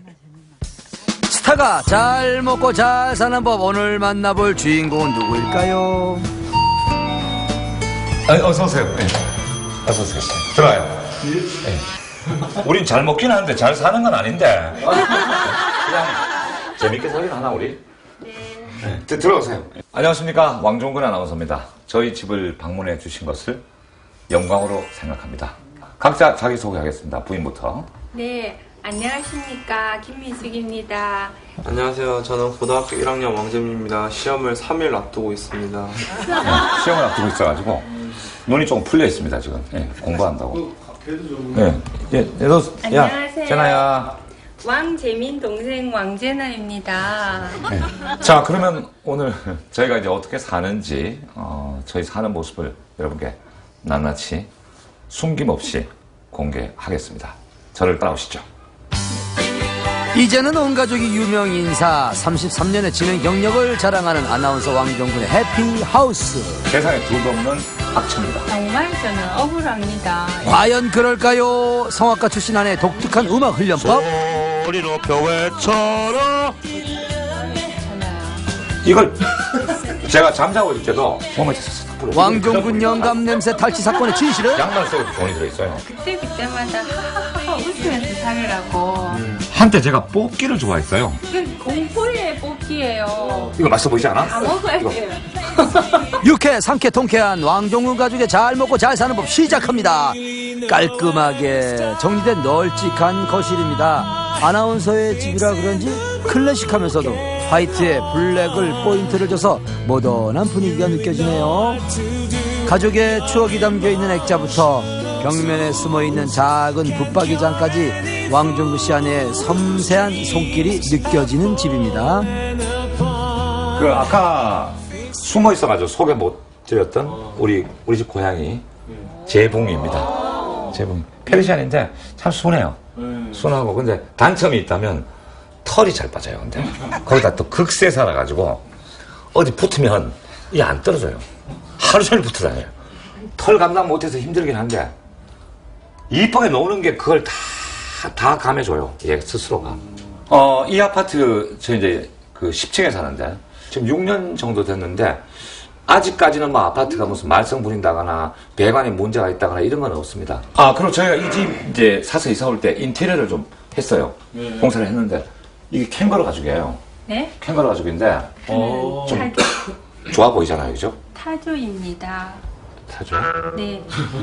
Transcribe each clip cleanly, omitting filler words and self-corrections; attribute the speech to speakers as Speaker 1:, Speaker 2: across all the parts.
Speaker 1: 스타가 잘 먹고 잘 사는 법, 오늘 만나볼 주인공은 누구일까요?
Speaker 2: 어서 오세요. 네. 어서 오세요. 들어와요. 네. 우린 잘 먹긴 하는데 잘 사는 건 아닌데. 그냥 재밌게 살긴 하나 우리? 네. 들어오세요. 안녕하십니까, 왕종근 아나운서입니다. 저희 집을 방문해 주신 것을 영광으로 생각합니다. 각자 자기소개하겠습니다. 부인부터.
Speaker 3: 네, 안녕하십니까. 김미숙입니다.
Speaker 4: 안녕하세요. 저는 고등학교 1학년 왕재민입니다. 시험을 3일 앞두고 있습니다.
Speaker 2: 시험을 앞두고 있어가지고 눈이 조금 풀려 있습니다, 지금. 네, 공부한다고. 네. 너,
Speaker 3: 안녕하세요.
Speaker 2: 제나야.
Speaker 3: 왕재민 동생 왕재나입니다.
Speaker 2: 네. 자, 그러면 오늘 저희가 이제 어떻게 사는지, 저희 사는 모습을 여러분께 낱낱이 숨김없이 공개하겠습니다. 저를 따라오시죠.
Speaker 1: 이제는 온 가족이 유명 인사, 33년의 진행 경력을 자랑하는 아나운서 왕종근의 해피하우스.
Speaker 2: 세상에 둘도 없는 악취입니다.
Speaker 3: 정말 저는 억울합니다.
Speaker 1: 과연 그럴까요? 성악가 출신 아내 독특한 음악 훈련법.
Speaker 2: 소리 높여 외쳐라. 이걸 제가 잠자고 있을 때도 몸에
Speaker 1: 왕종근 영감 냄새 탈취 사건의 진실은?
Speaker 2: 양말 속에 돈이 들어있어요.
Speaker 3: 그때마다 하하하 웃으면서 살으라고.
Speaker 2: 한때 제가 뽑기를 좋아했어요.
Speaker 3: 공포의 뽑기예요.
Speaker 2: 이거 맛있어 보이지 않아?
Speaker 3: 다 먹어야 돼요.
Speaker 1: 유쾌, 상쾌, 통쾌한 왕종근 가족의 잘 먹고 잘 사는 법 시작합니다. 깔끔하게 정리된 널찍한 거실입니다. 아나운서의 집이라 그런지 클래식하면서도 화이트에 블랙을 포인트를 줘서 모던한 분위기가 느껴지네요. 가족의 추억이 담겨있는 액자부터 벽면에 숨어있는 작은 붙박이장까지 왕종근 씨 아내의 섬세한 손길이 느껴지는 집입니다.
Speaker 2: 그 아까 숨어 있어가지고 소개 못 드렸던 우리 집 고양이 재봉입니다. 재봉 페르시안인데 참 순해요. 순하고 근데 단점이 있다면 털이 잘 빠져요. 근데 거기다 또 극세 살아가지고 어디 붙으면 이게 안 떨어져요. 하루 종일 붙어 다녀요. 털 감당 못해서 힘들긴 한데 이쁘게 노는 게 그걸 다 감해줘요. 얘 스스로가. 이 아파트 저 이제 그 10층에 사는데 지금 6년 정도 됐는데 아직까지는 뭐 아파트가 무슨 말썽 부린다거나 배관에 문제가 있다거나 이런 건 없습니다. 그리고 저희가 이 집 이제 사서 이사 올 때 인테리어를 좀 했어요. 공사를 했는데 이게 캥거루 가죽이에요.
Speaker 3: 네?
Speaker 2: 캥거루 가죽인데 좀 좋아 보이잖아요, 그죠?
Speaker 3: 타조입니다.
Speaker 2: 타조?
Speaker 3: 네.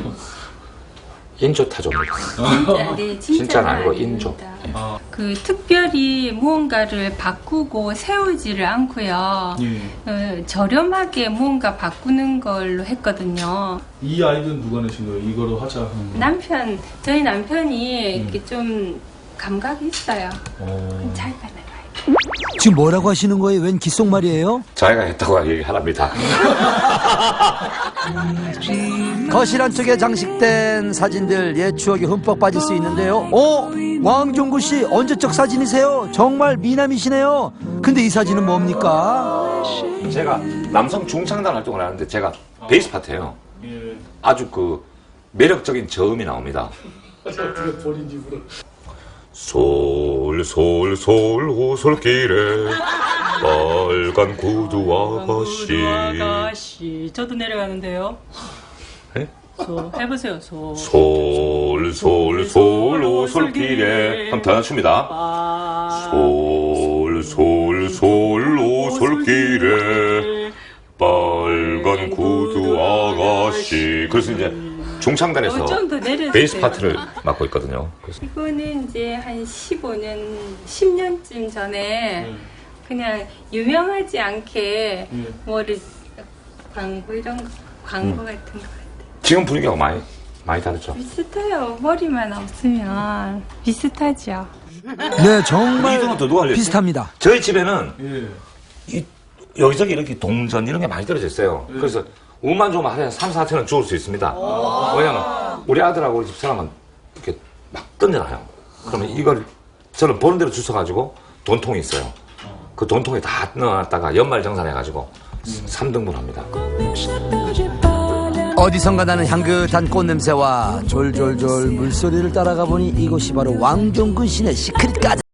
Speaker 2: 인조 타조입니다.
Speaker 3: 네,
Speaker 2: 진짜는 아니고 인조.
Speaker 3: 그 특별히 무언가를 바꾸고 세우지를 않고요. 저렴하게 무언가 바꾸는 걸로 했거든요.
Speaker 5: 이 아이디어는 누가 내신 거예요? 이거로 하자.
Speaker 3: 저희 남편이 이렇게 좀 감각이 있어요. 잘 받아요.
Speaker 1: 지금 뭐라고 하시는 거예요? 웬 귓속말이에요?
Speaker 2: 자기가 했다고 얘기하랍니다.
Speaker 1: 거실 한쪽에 장식된 사진들, 옛 추억이 흠뻑 빠질 수 있는데요. 왕종근 씨 언제적 사진이세요? 정말 미남이시네요. 근데 이 사진은 뭡니까?
Speaker 2: 제가 남성 중창단 활동을 하는데 제가 베이스 파트예요. 아주 그 매력적인 저음이 나옵니다.
Speaker 5: 본인 입으로.
Speaker 2: 솔솔솔 호솔길에 빨간 구두 아가씨.
Speaker 6: 저도 내려가는데요.
Speaker 2: 네?
Speaker 6: 해보세요.
Speaker 2: 솔솔솔 호솔길에 한번 더 춥니다. 솔솔솔 호솔길에 빨간 구두 아가씨. 그래서 이제 중창단에서 베이스 파트를 맡고 있거든요. 그래서.
Speaker 3: 이거는 이제 한 10년쯤 전에 그냥 유명하지 않게 뭐를 광고 같은 거 같아요.
Speaker 2: 지금 분위기가 많이 다르죠?
Speaker 3: 비슷해요. 머리만 없으면 비슷하죠.
Speaker 1: 네, 정말
Speaker 2: 이동은 더 누가 알려줬어요?
Speaker 1: 비슷합니다.
Speaker 2: 저희 집에는 여기저기 이렇게 동전 이런 게 많이 떨어져 있어요. 그래서 운만 좋으면 하루에 3, 4천원 주울 수 있습니다. 왜냐면 우리 아들하고 우리 집사람은 이렇게 막 던져놔요. 그러면 이걸 저는 보는 대로 주워가지고 돈통이 있어요. 그 돈통에 다 넣어놨다가 연말정산해가지고 3등분 합니다.
Speaker 1: 어디선가 나는 향긋한 꽃냄새와 졸졸졸 물소리를 따라가 보니 이곳이 바로 왕종근 씨네 시크릿 가든.